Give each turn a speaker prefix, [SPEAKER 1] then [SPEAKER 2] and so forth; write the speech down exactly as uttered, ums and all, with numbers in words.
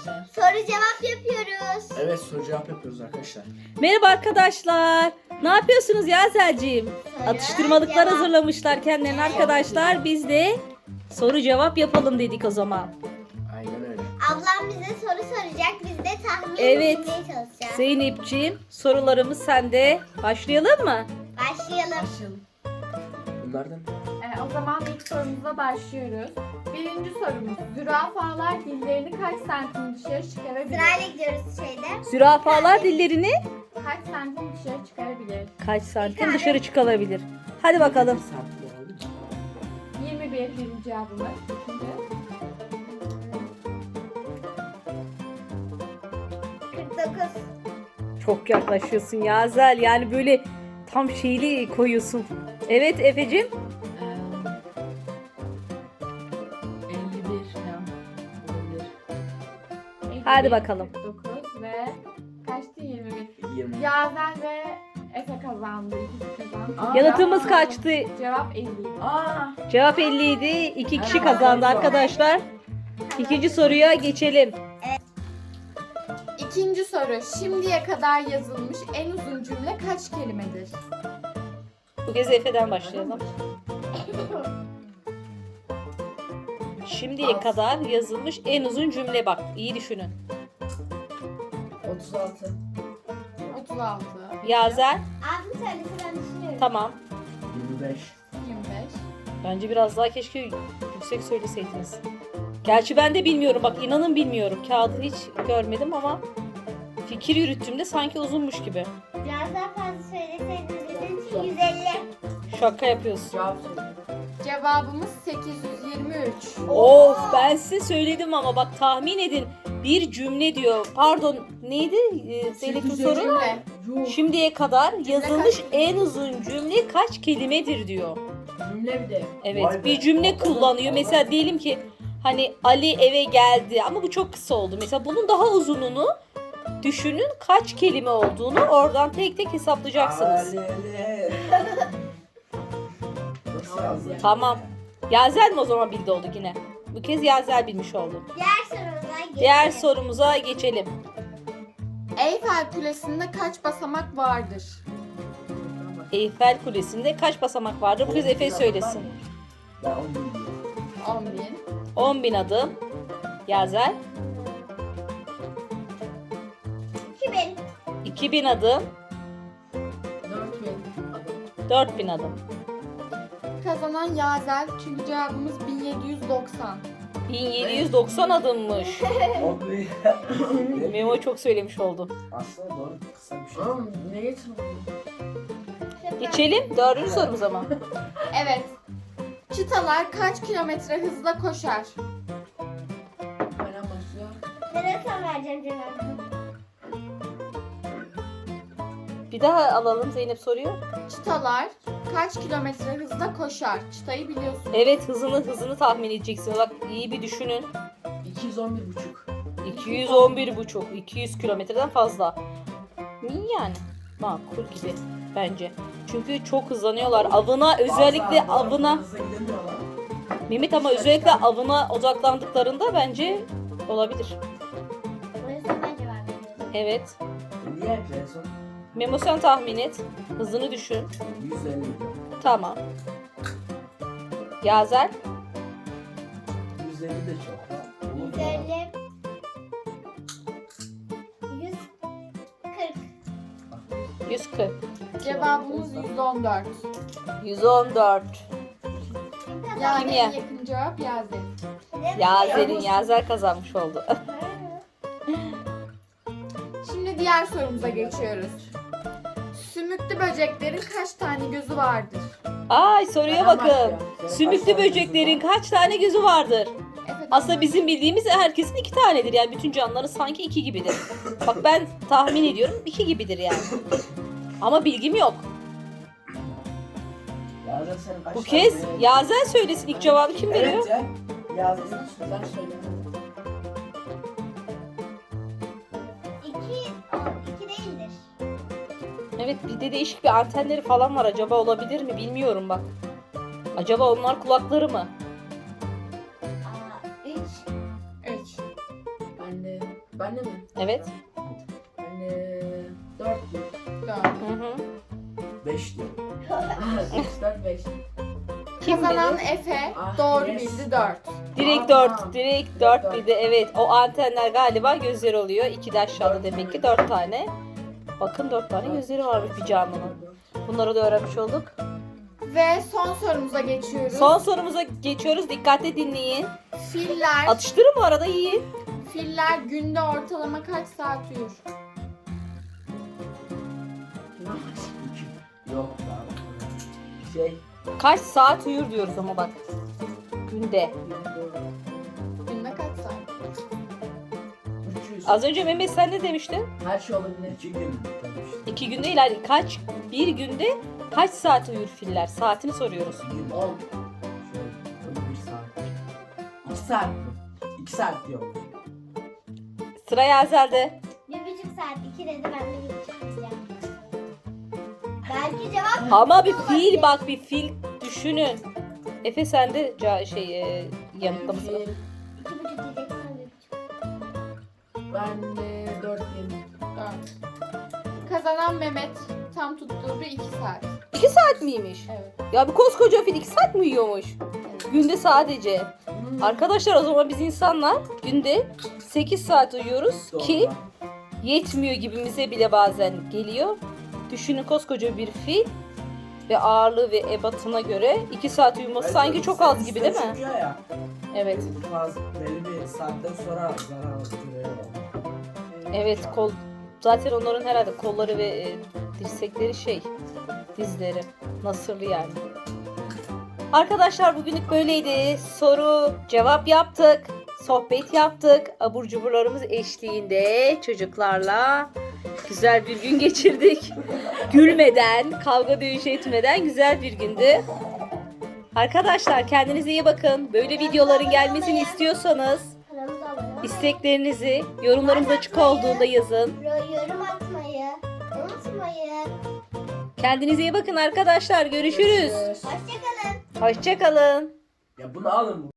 [SPEAKER 1] arkadaşlar.
[SPEAKER 2] Soru cevap yapıyoruz.
[SPEAKER 1] Evet, soru cevap yapıyoruz arkadaşlar.
[SPEAKER 3] Merhaba arkadaşlar. Ne yapıyorsunuz Yazel'ciğim?
[SPEAKER 2] Soru
[SPEAKER 3] Atıştırmalıklar
[SPEAKER 2] cevap.
[SPEAKER 3] hazırlamışlar kendilerine arkadaşlar. Biz de soru cevap yapalım dedik o zaman.
[SPEAKER 1] Aynen öyle.
[SPEAKER 2] Ablam bize soru soracak. Biz de tahmin
[SPEAKER 3] Evet.
[SPEAKER 2] etmeye çalışacağız.
[SPEAKER 3] Zeynep'ciğim sorularımız sende. Başlayalım mı?
[SPEAKER 2] Başlayalım.
[SPEAKER 4] Başlayalım.
[SPEAKER 1] Bunlardan
[SPEAKER 4] Ee, o zaman ilk sorumuza başlıyoruz. Birinci sorumuz. Zürafalar dillerini kaç santim dışarı çıkarabilir?
[SPEAKER 2] Sırayla gidiyoruz şeyde.
[SPEAKER 3] Zürafalar dillerini
[SPEAKER 4] Kaç santim dışarı çıkarabilir?
[SPEAKER 3] kaç santim dışarı çıkarabilir? Hadi bakalım.
[SPEAKER 1] saatlik oldu mu?
[SPEAKER 4] yirmi bir birinci cevabımız. İkinci.
[SPEAKER 2] kırk dokuz.
[SPEAKER 3] Çok yaklaşıyorsun Yazel. Yani böyle tam şeyli koyuyorsun. Evet Efe'cim.
[SPEAKER 4] Ee, elli bir falan olabilir.
[SPEAKER 3] Hadi bakalım.
[SPEAKER 4] kırk dokuz ve kaçtı? yirmi bir.
[SPEAKER 1] yirmi.
[SPEAKER 4] Yazel ve Efe kazandı. İkisi kazandı.
[SPEAKER 1] Aa,
[SPEAKER 3] Yanıtımız
[SPEAKER 4] Aa,
[SPEAKER 3] kaçtı?
[SPEAKER 4] Cevap elli.
[SPEAKER 1] Aa,
[SPEAKER 3] Cevap elli idi. İki kişi
[SPEAKER 1] Evet.
[SPEAKER 3] kazandı arkadaşlar. İkinci soruya geçelim.
[SPEAKER 4] İkinci soru. Şimdiye kadar yazılmış en uzun cümle kaç kelimedir?
[SPEAKER 3] Bu kez Efe'den başlayalım. Şimdiye
[SPEAKER 1] Az.
[SPEAKER 3] kadar yazılmış en uzun cümle bak. İyi düşünün.
[SPEAKER 1] otuz altı.
[SPEAKER 4] otuz altı.
[SPEAKER 3] Yazel.
[SPEAKER 2] Abim söylese ben düşünüyorum.
[SPEAKER 3] Tamam.
[SPEAKER 1] yirmi beş.
[SPEAKER 4] yirmi beş.
[SPEAKER 3] Bence biraz daha keşke yüksek söyleseydiniz. Gerçi ben de bilmiyorum. Bak inanın bilmiyorum. Kağıdı hiç görmedim ama fikir yürüttüğümde sanki uzunmuş gibi.
[SPEAKER 2] Biraz daha fazla söyleseydiniz bizim için yüz elli.
[SPEAKER 3] Şaka yapıyorsun.
[SPEAKER 1] Cevap söyle.
[SPEAKER 4] Cevabımız sekiz yüz yirmi üç.
[SPEAKER 3] Of ben size söyledim ama bak tahmin edin. Bir cümle diyor. Pardon neydi ee, Zeynep'in
[SPEAKER 1] Sekiz
[SPEAKER 3] soru?
[SPEAKER 4] Cümle.
[SPEAKER 1] Yuh.
[SPEAKER 3] Şimdiye kadar yazılmış
[SPEAKER 4] kaç
[SPEAKER 3] en uzun cümle kaç kelimedir diyor.
[SPEAKER 1] Cümle bir de.
[SPEAKER 3] Evet
[SPEAKER 1] Vay be.
[SPEAKER 3] bir cümle kullanıyor. Mesela diyelim ki hani Ali eve geldi ama bu çok kısa oldu. Mesela bunun daha uzununu düşünün kaç kelime olduğunu oradan tek tek hesaplayacaksınız.
[SPEAKER 1] Alele. Nasıl yazdın?
[SPEAKER 3] Tamam. Yazel mi o zaman bildi oldu yine? Bu kez Yazel bilmiş oldu.
[SPEAKER 2] Diğer sorumuza geçelim.
[SPEAKER 3] Diğer sorumuza geçelim.
[SPEAKER 4] Eyfel Kulesi'nde kaç basamak vardır?
[SPEAKER 3] Eyfel Kulesi'nde kaç basamak vardır? Bu kez Efe söylesin.
[SPEAKER 1] Ben on bin diyorum.
[SPEAKER 4] on bin.
[SPEAKER 3] on bin adım. Yazel.
[SPEAKER 2] iki bin.
[SPEAKER 3] iki bin adım.
[SPEAKER 1] dört bin adım.
[SPEAKER 3] dört bin adım.
[SPEAKER 4] Kazanan Yazel çünkü cevabımız bin yedi yüz doksan.
[SPEAKER 3] bin yedi yüz doksan adımmış.
[SPEAKER 1] on bin.
[SPEAKER 3] Memo çok söylemiş oldu.
[SPEAKER 1] Aslında doğru, kısa bir şey. Oğlum ne getirdin?
[SPEAKER 3] Geçelim dördüncü sorumuza mı?
[SPEAKER 4] Evet. Çitalar kaç kilometre hızla koşar?
[SPEAKER 1] Bana başlıyor.
[SPEAKER 2] Nereye son vereceğim cevabı?
[SPEAKER 3] Bir daha alalım Zeynep soruyor.
[SPEAKER 4] Çitalar kaç kilometre hızla koşar? Çıtayı biliyorsun.
[SPEAKER 3] Evet hızını hızını tahmin edeceksin. Bak iyi bir düşünün.
[SPEAKER 1] iki yüz on bir buçuk.
[SPEAKER 3] iki yüz on bir buçuk. iki yüz kilometreden fazla. İyi yani. Makul gibi bence. Çünkü çok hızlanıyorlar. Avına özellikle
[SPEAKER 1] Asla,
[SPEAKER 3] avına.
[SPEAKER 1] hızlı gidemiyorlar.
[SPEAKER 3] Mehmet ama özellikle avına odaklandıklarında bence olabilir.
[SPEAKER 2] O yüzden ben cevap veriyorum.
[SPEAKER 3] Evet.
[SPEAKER 1] Niye yapıyorsun?
[SPEAKER 3] Memo sen tahmin et. Hızını düşün.
[SPEAKER 1] yüz elli diyorum.
[SPEAKER 3] Tamam. Yazel.
[SPEAKER 1] yüz elli de çok. ha. Olur
[SPEAKER 2] yüz
[SPEAKER 1] mu?
[SPEAKER 2] elli. yüz kırk.
[SPEAKER 3] yüz kırk.
[SPEAKER 4] Cevabımız yüz on dört.
[SPEAKER 3] yüz on dört.
[SPEAKER 2] Kim kazandı?
[SPEAKER 4] Yani
[SPEAKER 3] Kim
[SPEAKER 4] en
[SPEAKER 3] ya?
[SPEAKER 4] yakın cevap Yazel.
[SPEAKER 3] Yazel'in Yazel kazanmış oldu.
[SPEAKER 4] Şimdi diğer sorumuza geçiyoruz. Sümüklü böceklerin kaç tane gözü vardır?
[SPEAKER 3] Ay soruya
[SPEAKER 1] Ben
[SPEAKER 3] bakın.
[SPEAKER 1] başlıyorum. Senin
[SPEAKER 3] Sümüklü
[SPEAKER 1] kaç tane
[SPEAKER 3] böceklerin
[SPEAKER 1] gözün var?
[SPEAKER 3] kaç tane gözü vardır?
[SPEAKER 4] Evet,
[SPEAKER 3] Aslında bizim bildiğimiz herkesin iki tanedir. Yani bütün canlıların sanki iki gibidir. Bak ben tahmin ediyorum iki gibidir yani. Ama bilgim yok.
[SPEAKER 1] Yazel senin kaç
[SPEAKER 3] Bu
[SPEAKER 1] tane
[SPEAKER 3] kez
[SPEAKER 1] gözün var?
[SPEAKER 3] Yazel söylesin ilk cevabı kim veriyor?
[SPEAKER 1] Evet ya. Yazel sen sen söyle.
[SPEAKER 2] İki, o, iki değildir.
[SPEAKER 3] Evet bir de değişik bir antenleri falan var. Acaba olabilir mi bilmiyorum bak. Acaba onlar kulakları mı?
[SPEAKER 2] Aa, üç.
[SPEAKER 4] üç.
[SPEAKER 1] Ben de Ben de mi?
[SPEAKER 3] Evet.
[SPEAKER 1] Ben de dört gün.
[SPEAKER 4] Dört.
[SPEAKER 3] Hı hı.
[SPEAKER 1] beş diyorum. üç, dört, beş.
[SPEAKER 3] Kim
[SPEAKER 4] Kazanan
[SPEAKER 3] bilir?
[SPEAKER 4] Efe
[SPEAKER 1] Ah,
[SPEAKER 4] doğru
[SPEAKER 1] yes.
[SPEAKER 4] bildi dört.
[SPEAKER 3] Direkt
[SPEAKER 1] Tamam.
[SPEAKER 3] dört. Direkt dört
[SPEAKER 1] dört.
[SPEAKER 3] bildi. Evet. O antenler galiba gözler oluyor. İki de aşağıda demek ki dört tane. Bakın dört tane gözleri varmış bir canlının. Bunları da öğrenmiş olduk.
[SPEAKER 4] Ve son sorumuza geçiyoruz.
[SPEAKER 3] Son sorumuza geçiyoruz. Dikkatle dinleyin.
[SPEAKER 4] Filler,
[SPEAKER 3] Atıştırın bu arada yiyin.
[SPEAKER 4] filler günde ortalama kaç saat uyur?
[SPEAKER 1] Yok daha. Şey.
[SPEAKER 3] Kaç saat uyur diyoruz ama bak. Günde.
[SPEAKER 4] Günde kaç saat?
[SPEAKER 1] üç yüz.
[SPEAKER 3] Az önce Mehmet sen ne demiştin?
[SPEAKER 1] Her şey olabilir. İki gün.
[SPEAKER 3] İki günde ileride. Kaç? Bir günde kaç saat uyur filler? Saatini soruyoruz.
[SPEAKER 1] İki gün. On. Şöyle. Bir saat. İki saat mi? İki saat diyorum.
[SPEAKER 3] Sıra Yazel'de.
[SPEAKER 2] Bir buçuk saat. iki dedi, ben de bir buçuk diyeceğim. Belki cevap
[SPEAKER 3] Ama bir
[SPEAKER 2] olabilir.
[SPEAKER 3] fil bak bir fil düşünün. Efe sen de ca- şey e, yanıtlamasını.
[SPEAKER 1] Fil.
[SPEAKER 2] İki buçuk diyeceksin, ben bir buçuk.
[SPEAKER 1] Ben de dört gün.
[SPEAKER 4] Dört. Kazanan Mehmet tam tutturdu iki saat.
[SPEAKER 3] İki saat miymiş?
[SPEAKER 4] Evet.
[SPEAKER 3] Ya bir koskoca fil iki saat mi uyuyormuş?
[SPEAKER 4] evet.
[SPEAKER 3] Günde sadece.
[SPEAKER 1] Hmm.
[SPEAKER 3] Arkadaşlar o zaman biz insanlar günde sekiz saat uyuyoruz
[SPEAKER 1] Doğru.
[SPEAKER 3] ki yetmiyor gibimize bile bazen geliyor. Düşünün koskoca bir fil ve ağırlığı ve ebatına göre iki saat uyuması
[SPEAKER 1] Evet,
[SPEAKER 3] sanki çok az gibi değil mi?
[SPEAKER 1] çıkıyor ya.
[SPEAKER 3] Evet.
[SPEAKER 1] Fazla belli bir saatten sonra zarar görüyor.
[SPEAKER 3] Evet kol zaten onların herhalde kolları ve e, dirsekleri şey dizleri nasırlı yani. Arkadaşlar bugünlük böyleydi. Soru cevap yaptık. Sohbet yaptık. Abur cuburlarımız eşliğinde çocuklarla güzel bir gün geçirdik. Gülmeden, kavga dövüş etmeden güzel bir gündü. Arkadaşlar kendinize iyi bakın. Böyle videoların gelmesini istiyorsanız
[SPEAKER 2] Kanalımıza abone olmayı,
[SPEAKER 3] isteklerinizi yorumlarımız açık olduğunda yazın.
[SPEAKER 2] yorum atmayı unutmayın.
[SPEAKER 3] Kendinize iyi bakın arkadaşlar. Görüşürüz.
[SPEAKER 2] Hoşçakalın.
[SPEAKER 3] Hoşçakalın.
[SPEAKER 1] Ya bunu alın.